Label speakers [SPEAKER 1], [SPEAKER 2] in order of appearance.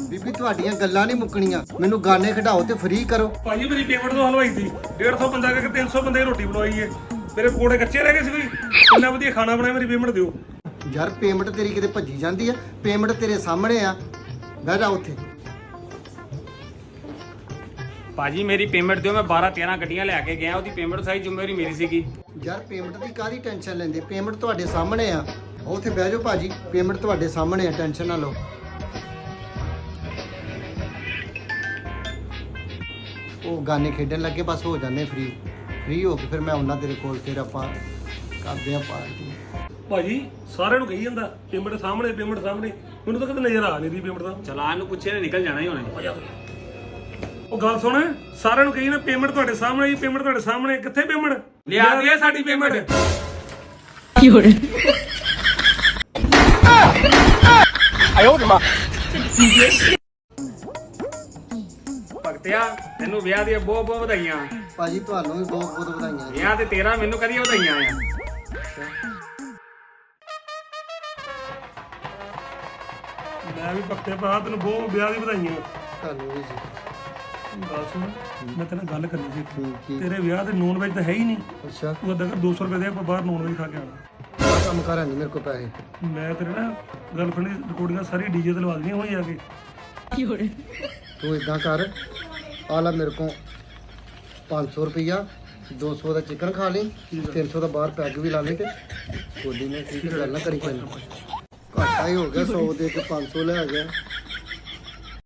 [SPEAKER 1] ਬੀਬੀ ਤੁਹਾਡੀਆਂ ਗੱਲਾਂ ਨਹੀਂ ਮੁੱਕਣੀਆਂ, ਮੈਨੂੰ ਗਾਣੇ ਖਿਡਾਓ ਤੇ ਫ੍ਰੀ ਕਰੋ।
[SPEAKER 2] ਭਾਜੀ ਮੇਰੀ ਪੇਮੈਂਟ ਤੋਂ ਹਲਵਾਈ ਸੀ 150 ਬੰਦਾ ਕਰਕੇ 300 ਬੰਦੇ ਦੀ ਰੋਟੀ ਬਣਵਾਈ ਏ, ਮੇਰੇ ਪਕੌੜੇ ਕੱਚੇ ਰਹਿ ਗਏ ਸੀ ਕੋਈ। ਇੰਨਾ ਵਧੀਆ ਖਾਣਾ ਬਣਾਇਆ, ਮੇਰੀ ਪੇਮੈਂਟ ਦਿਓ।
[SPEAKER 1] ਯਾਰ ਪੇਮੈਂਟ ਤੇਰੀ ਕਿਤੇ ਭੱਜੀ ਜਾਂਦੀ ਆ, ਪੇਮੈਂਟ ਤੇਰੇ ਸਾਹਮਣੇ ਆ, ਬਹਿ ਜਾ ਉੱਥੇ।
[SPEAKER 3] ਭਾਜੀ ਮੇਰੀ ਪੇਮੈਂਟ ਦਿਓ, ਮੈਂ 12-13 ਗੱਡੀਆਂ ਲੈ ਕੇ ਗਿਆ, ਉਹਦੀ ਪੇਮੈਂਟ ਸਾਰੀ ਜ਼ਿੰਮੇਵਾਰੀ ਮੇਰੀ ਸੀਗੀ।
[SPEAKER 1] ਯਾਰ ਪੇਮੈਂਟ ਦੀ ਕਾਹਦੀ ਟੈਨਸ਼ਨ ਲੈਂਦੇ, ਪੇਮੈਂਟ ਤੁਹਾਡੇ ਸਾਹਮਣੇ ਆ, ਉੱਥੇ ਬਹਿ ਜਾਓ ਭਾਜੀ, ਪੇਮੈਂਟ ਤੁਹਾਡੇ ਸਾਹਮਣੇ ਆ, ਟੈਨਸ਼ਨ ਨਾ ਲਓ। ਉਹ ਗਾਣੇ ਖੇਡਣ ਲੱਗੇ, ਬਸ ਹੋ ਜਾਂਦੇ ਫ੍ਰੀ ਹੋ ਕੇ ਫਿਰ ਮੈਂ ਆਉਣਾ ਤੇਰੇ ਕੋਲ, ਫਿਰ ਆਪਾਂ ਕਰਦੇ ਆ ਪਾਰਟੀ।
[SPEAKER 2] ਭਾਜੀ ਸਾਰਿਆਂ ਨੂੰ ਕਹੀ ਜਾਂਦਾ ਪੇਮੈਂਟ ਸਾਹਮਣੇ, ਪੇਮੈਂਟ ਸਾਹਮਣੇ, ਮੈਨੂੰ ਤਾਂ ਕਦੇ ਨਜ਼ਰ ਆ ਨਹੀਂ ਰਹੀ ਪੇਮੈਂਟ ਦਾ।
[SPEAKER 3] ਚਲਾਨ ਨੂੰ ਪੁੱਛੇ ਨੇ ਨਿਕਲ ਜਾਣਾ ਹੀ ਹੋਣਾ।
[SPEAKER 2] ਉਹ ਗੱਲ ਸੁਣ, ਸਾਰਿਆਂ ਨੂੰ ਕਹੀ ਨਾ ਪੇਮੈਂਟ ਤੁਹਾਡੇ ਸਾਹਮਣੇ ਜੀ, ਪੇਮੈਂਟ ਤੁਹਾਡੇ ਸਾਹਮਣੇ, ਕਿੱਥੇ ਪੇਮੈਂਟ?
[SPEAKER 3] ਲਿਆ ਦੇ ਸਾਡੀ ਪੇਮੈਂਟ। ਭਗਤਿਆ ਤੈਨੂੰ ਵਿਆਹ ਦੀਆਂ ਬਹੁਤ ਬਹੁਤ ਵਧਾਈਆਂ।
[SPEAKER 1] ਭਾਜੀ ਤੁਹਾਨੂੰ ਵੀ ਬਹੁਤ ਬਹੁਤ ਵਧਾਈਆਂ।
[SPEAKER 3] ਵਿਆਹ ਤੇ ਤੇਰਾ, ਮੈਨੂੰ ਕਦੀ ਵਧਾਈਆਂ ਆ।
[SPEAKER 2] ਮੈਂ ਵੀ ਪੱਕੇ ਭਰਾ ਤੈਨੂੰ ਬਹੁਤ ਵਿਆਹ ਦੀ ਵਧਾਈਆਂ।
[SPEAKER 1] ਤੁਹਾਨੂੰ ਵੀ ਜੀ।
[SPEAKER 2] ਗੱਲ ਸੁਣ, ਮੈਂ ਤੇਰੇ ਨਾਲ ਗੱਲ ਕਰਨੀ ਸੀ।
[SPEAKER 1] ਕੀ?
[SPEAKER 2] ਤੇਰੇ ਵਿਆਹ ਤੇ ਨੌਨ ਵੈਜ ਤਾਂ ਹੈ ਹੀ ਨਹੀਂ।
[SPEAKER 1] ਅੱਛਾ
[SPEAKER 2] ਤੂੰ ਅੱਧਾ ਕਰ 200 ਰੁਪਏ ਦੇ, ਆਪਾਂ ਬਾਹਰ ਨੌਨ ਵੈਜ ਖਾ ਕੇ ਆਣਾ।
[SPEAKER 1] ਆਹ ਕੰਮ ਕਰਾਂ ਨਹੀਂ ਮੇਰੇ ਕੋਲ ਪੈਸੇ।
[SPEAKER 2] ਮੈਂ ਤੇਰੇ ਨਾ ਗਰਲਫ੍ਰੈਂਡ ਦੀ ਰਿਕਾਰਡਿੰਗਾਂ ਸਾਰੀ ਡੀਜੇ ਤੇ ਲਵਾ ਦੇਣੀਆਂ ਹੋਈ ਆ ਕੇ।
[SPEAKER 1] ਤੂੰ ਇਦਾਂ ਕਰ, ਆ ਲੈ ਮੇਰੇ ਕੋਲ 500 ਰੁਪਈਆ, 200 ਦਾ ਚਿਕਨ ਖਾ ਲਈ, 300 ਦਾ ਬਾਹਰ ਪੈਗ ਵੀ ਲਾ ਲਈ ਤੇ ਗੋਲੀ ਨੇ ਠੀਕ ਗੱਲ ਨਾ ਕਰੀ, ਕੋਈ ਘਾਟਾ ਹੀ ਹੋ ਗਿਆ, 100 ਦੇ ਕੇ 500 ਲੈ ਗਿਆ।